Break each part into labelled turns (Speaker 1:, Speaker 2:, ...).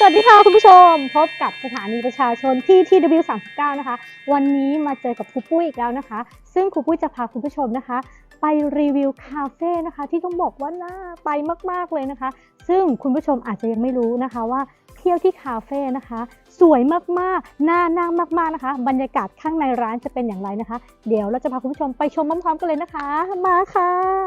Speaker 1: วัสดีค่ะคุณผู้ชมพบกับสถานีประชาชนที่ TW39 นะคะวันนี้มาเจอกับครูปุ้ยอีกแล้วนะคะซึ่งครูปุ้ยจะพาคุณผู้ชมนะคะไปรีวิวคาเฟ่นะคะที่ต้องบอกว่าน่าไปมากๆเลยนะคะซึ่งคุณผู้ชมอาจจะยังไม่รู้นะคะว่าเที่ยวที่คาเฟ่นะคะสวยมากๆน่านั่งมากๆนะคะบรรยากาศข้างในร้านจะเป็นอย่างไรนะคะเดี๋ยวเราจะพาคุณผู้ชมไปชมพร้อมๆกันเลยนะคะมาค่ะ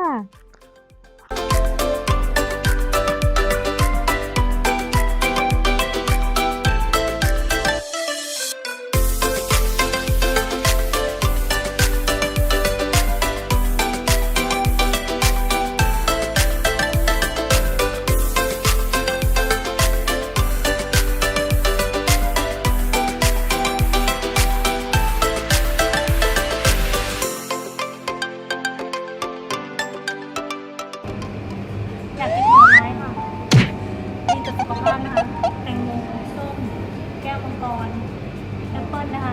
Speaker 1: อยากกินผลไม้ค่ะดีต่อสุขภาพนะคะแตงโมส้มแก้วมังกรแอปเปิ้ลนะคะ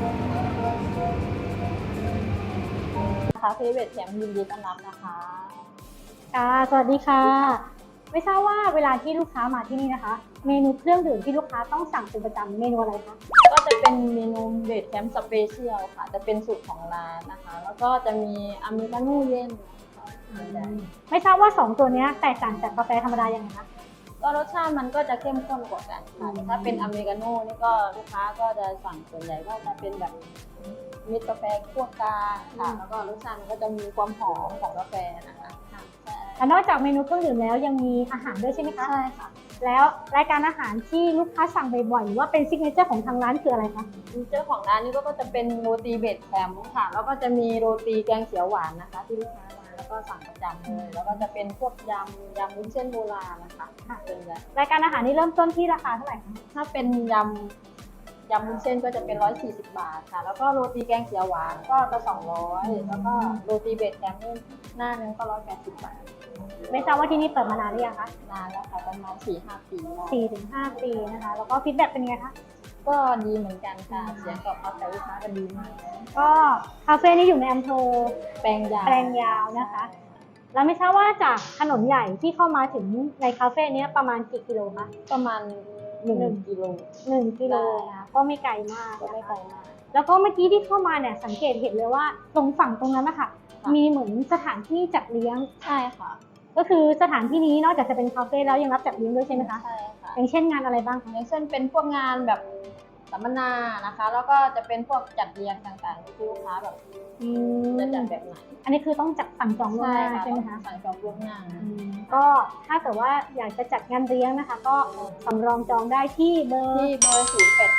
Speaker 2: คาเฟ่เวทแคมป์ยินดีต้อนรับนะคะ
Speaker 1: ค่ะสวัสดีค่ะไม่ทราบว่าเวลาที่ลูกค้ามาที่นี่นะคะเมนูเครื่องดื่มที่ลูกค้าต้องสั่งเป็นประจำเมนูอะไรคะ
Speaker 2: ก็จะเป็นเมนูเวทแคมป์สเปเชียลค่ะ จะเป็นสูตรของร้านนะคะ แล้วก็จะมีอเมริกาโน่เย็น
Speaker 1: ไม่ทราบว่า2ตัวนี้แตกต่างจากกาแฟธรรมดายังไงคะ
Speaker 2: ก็รสชาติมันก็จะเข้มข้นกว่ากันค่ะแต่ถ้าเป็นอเมริกาโน่นี่ก็ลูกค้าก็จะสั่งส่วนใหญ่ก็จะเป็นแบบมิตรกาแฟคั่วกลางค่ะ แล้วก็รสชาติมันก็จะมีความหอมของกาแฟนะคะใช่
Speaker 1: และนอกจากเมนูเครื่องดื่มแล้วยังมีอาหารด้วยใช่ไหมคะ
Speaker 2: ใช่ค่ะ
Speaker 1: แล้วรายการอาหารที่ลูกค้าสั่งบ่อยๆหรือว่าเป็นซิกเนเจอร์ของทางร้านคืออะไรคะ
Speaker 2: เจ้าของร้านนี่ก็จะเป็นโรตีเบดแคมป์ค่ะ แล้วก็จะมีโรตีแกงเขียวหวานนะคะ ที่ลูกค้ามาแล้วก็สั่งประจำเลยแล้วก็จะเป็นพวกยำวุ้นเส้นโบราณนะคะเป็นแบบ
Speaker 1: รายการอาหารนี้เริ่มต้นที่ราคาเท่าไหร่คะ
Speaker 2: ถ้าเป็นยำวุ้นเส้นก็จะเป็น140 บาทค่ะ แล้วก็โรตีแกงเขียวหวานก็จะ200แล้วก็โรตีเบดแคมป์นี่หน้านึงก็180 บาท
Speaker 1: ไม่ทราบว่าที่นี่เปิดมานานหรือยังคะ
Speaker 2: นานแล้วค่ะประมาณ 4-5 ปีแล้ว
Speaker 1: 4-5 ปีนะคะแล้วก็ฟีดแบ็กเป็นไงคะ
Speaker 2: ก็ดีเหมือนกันค่ะเสียงตอบรับจากลูกค้าก็ดีมาก
Speaker 1: ก็คาเฟ่นี้อยู่ในอำเภอ
Speaker 2: แปลงยาว
Speaker 1: แปลงยาวนะคะ แล้วไม่ทราบว่าจากถนนใหญ่ที่เข้ามาถึงในคาเฟ่นี้ประมาณกี่กิโลคะ
Speaker 2: ประมาณ1 กิโล
Speaker 1: 1 กิโลนะก็ไม่ไกลมาก
Speaker 2: ก็ไม่ไกลมาก
Speaker 1: แล้วก็เมื่อกี้ที่เข้ามาเนี่ยสังเกตเห็นเลยว่าตรงฝั่งตรงนั้นนะคะมีเหมือนสถานที่จัดเลี้ยง
Speaker 2: ใช่ค่ะ
Speaker 1: ก็คือสถานที่นี้นอกจากจะเป็นคาเฟ่แล้วยังรับจัดเลี้ยงด้วยใช่ไหมคะ
Speaker 2: ใช่ค่ะ
Speaker 1: อย่างเช่นงานอะไรบ้างคะ
Speaker 2: อย่างเช่นเป็นพวกงานแบบสัมมนานะคะ แล้วก็จะเป็นพวกจัดเรียงต่างๆที่ลูกค้าแบบจะจัดแบบไหน
Speaker 1: อันนี้คือต้องจัดสั่งจองล่วงหน้าใช่ไหมคะ
Speaker 2: สั่งจองล่วงหน้า
Speaker 1: ก็ถ้าเกิดว่าอยากจะจัดงานเลี้ยงนะคะ ก็สำรองจองได้ที่เบอร์
Speaker 2: ที่เบอร์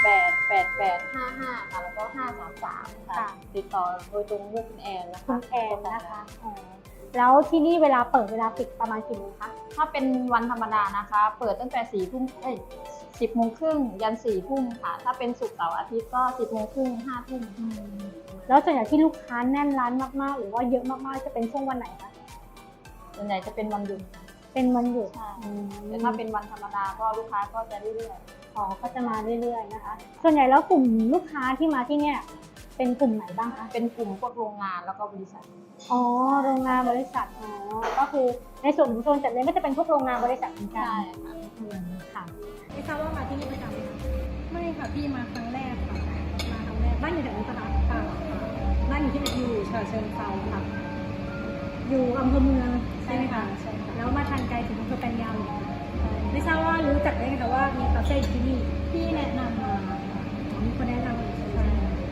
Speaker 2: 088-8855ค่ะแล้วก็533ค่ะติดต่อโดยตรงด้วยคุณแอนนะคะ
Speaker 1: คุณแอนนะคะแล้วที่นี่เวลาเปิดเวลาปิดประมาณกี่โมงคะ
Speaker 2: ถ้าเป็นวันธรรมดานะคะ เปิดตั้งแต่4 ทุ่ม10 โมงครึ่งยัน4 ทุ่มค่ะ ถ้าเป็นศุกร์เสาร์อาทิตย์ก็10 โมงครึ่ง5 ทุ่ม
Speaker 1: แล้วส่วนใหญ่ที่ลูกค้าแน่นร้านมากๆหรือว่าเยอะมากๆจะเป็นช่วงวันไหนคะ
Speaker 2: ส่วนใหญ่จะเป็นวันหยุด
Speaker 1: เป็นวันหยุด
Speaker 2: ใช่แต่ถ้าเป็นวันธรรมดาก็ลูกค้าก็จะเรื่อย
Speaker 1: อ๋อก็จะมาเรื่อยๆนะคะ ส่วนใหญ่แล้วกลุ่มลูกค้าที่มาที่เนี่ยเป็นกลุ่มไหนบ้างคะ
Speaker 2: ๆเป็นกลุ่มพวกโรงงานแล้วก็บริษัท
Speaker 1: อ๋อโรงงานบริษัทอ๋อก็คือในส่วนของโซนจัดเลี้ยงก็จะเป็นพวกโรงงานบริษัทเหมือนกัน
Speaker 2: ใช่ค่ะ
Speaker 1: ค่ะไม่ทราบว่ามาที่นี่ประจำไหมคะ
Speaker 3: ไม่ค่ะพี่มาครั้งแรกค่ะมาครั้งแรกบ้านอยู่แถวนี้ปะคะค่ะบ้านอยู่ที่ไหนอยู่ฉะเชิงเทราค่ะ
Speaker 1: อยู่อำเภอเมืองใช่ไหมคะ
Speaker 3: ใช่ค่ะ
Speaker 1: แล้วมาทานไกลถึงอำเภอแปลงยาวเลยไม่ทราบว่ารู้จักได้ไงคะว่ามีคาเฟ่อยู่ที่นี่
Speaker 3: พี่แนะนำมาค่ะ
Speaker 1: มีคนแนะนำเลยใช่ไหม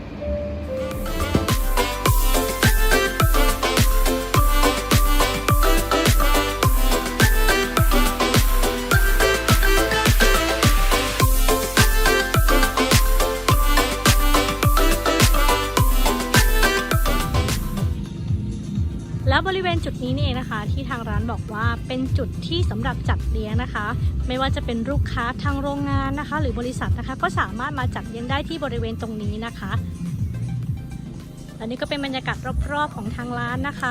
Speaker 1: แล้วบริเวณจุดนี้นี่เองนะคะที่ทางร้านบอกว่าเป็นจุดที่สำหรับจัดเลี้ยงนะคะ ไม่ว่าจะเป็นลูกค้าทางโรงงานนะคะ หรือบริษัทนะคะก็สามารถมาจัดเลี้ยงได้ที่บริเวณตรงนี้นะคะและนี่ก็เป็นบรรยากาศรอบๆของทางร้านนะคะ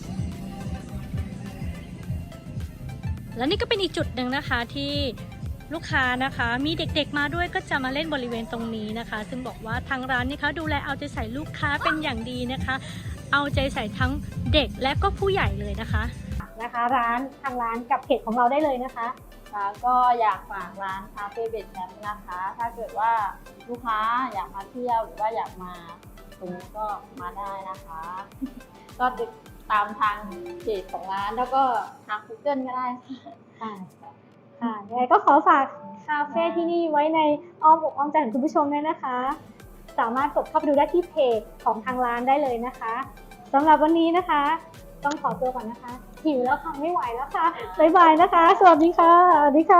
Speaker 1: และนี่ก็เป็นอีกจุดหนึ่งนะคะที่ลูกค้านะคะมีเด็กๆมาด้วยก็จะมาเล่นบริเวณตรงนี้นะคะ ซึ่งบอกว่าทางร้านนี่คะดูแลเอาใจใส่ลูกค้าเป็นอย่างดีนะคะ เอาใจใส่ทั้งเด็กและก็ผู้ใหญ่เลยนะคะร้านทางร้านกับเพจของเราได้เลยนะคะ
Speaker 2: ค่ะก็อยากฝากร้านคาเฟ่เบดแคมป์นะคะ ถ้าเกิดว่าลูกค้าอยากมาเที่ยวหรือว่าอยากมาตรงนี้ก็มาได้นะคะ ก็ติดตามทางเพจของร้านแล้วก็ทาง Google ก็ได้ค่ะ
Speaker 1: ค่ะยังไงก็ขอฝากคาเฟ่ที่นี่ไว้ในอ้อมอกอ้อมใจของคุณผู้ชมด้วยนะคะ สามารถกดเข้าไปดูได้ที่เพจของทางร้านได้เลยนะคะสำหรับวันนี้นะคะ ต้องขอตัวก่อนนะคะหิวแล้วค่ะไม่ไหวแล้วค่ะบ๊ายบายนะคะ สวัสดีค่ะสวัสดีค่ะ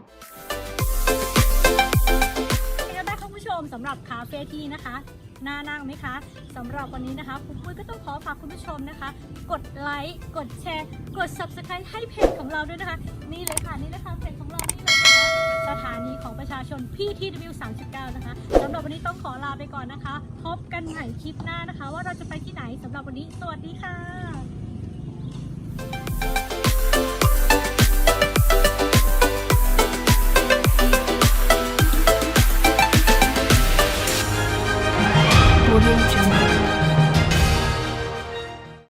Speaker 3: เป็นไงบ้างคะคุณผู้ชมสำหรับคาเฟ่ที่นะคะน่านั่งไหมคะสำหรับวันนี้นะคะคุณปุ้ยก็ต้องขอฝากคุณผู้ชมนะคะ กดไลค์กดแชร์กด Subscribe ให้เพจของเราด้วยนะคะ นี่เลยค่ะนี่นะคะเพจของเรานี่เลยนะคะสถานีของประชาชน PTW 39นะคะสำหรับวันนี้ต้องขอลาไปก่อนนะคะ พบกันใหม่คลิปหน้านะคะ ว่าเราจะไปที่ไหนสำหรับวันนี้สวัสดีค่ะ